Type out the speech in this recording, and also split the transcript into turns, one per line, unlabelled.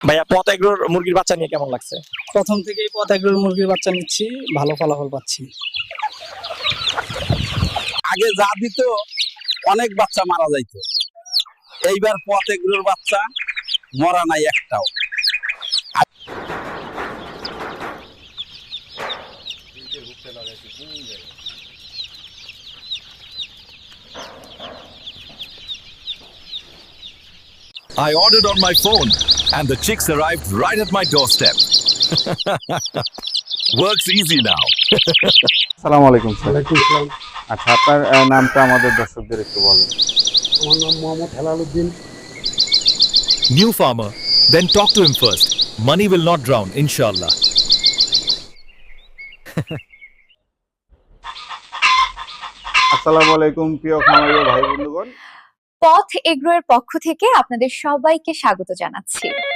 ভাইয়া পথ এগ্রোর মুরগির বাচ্চা নিয়ে কেমন লাগছে?
প্রথম থেকেই পথ এগ্রোর মুরগির বাচ্চা নিচ্ছি, ভালো ফলাফল পাচ্ছি।
আগে যা দিত অনেক বাচ্চা মারা যাইতো, এইবার পথ এগুলোর বাচ্চা মরা নাই একটাও।
I ordered on my phone and the chicks arrived right at my doorstep. Works easy now.
আসসালামু আলাইকুম স্যার। আচ্ছা, আপনার নামটা আমাদের দর্শকদের একটু বলেন।
আমার নাম Mohammad Helaluddin.
New farmer, then talk to him first. Money will not drown, inshallah.
আসসালামু আলাইকুম প্রিয় খামারি ভাই বন্ধুগণ।
পথ এগ্রোর পক্ষ থেকে আপনাদের সবাইকে স্বাগত জানাচ্ছি।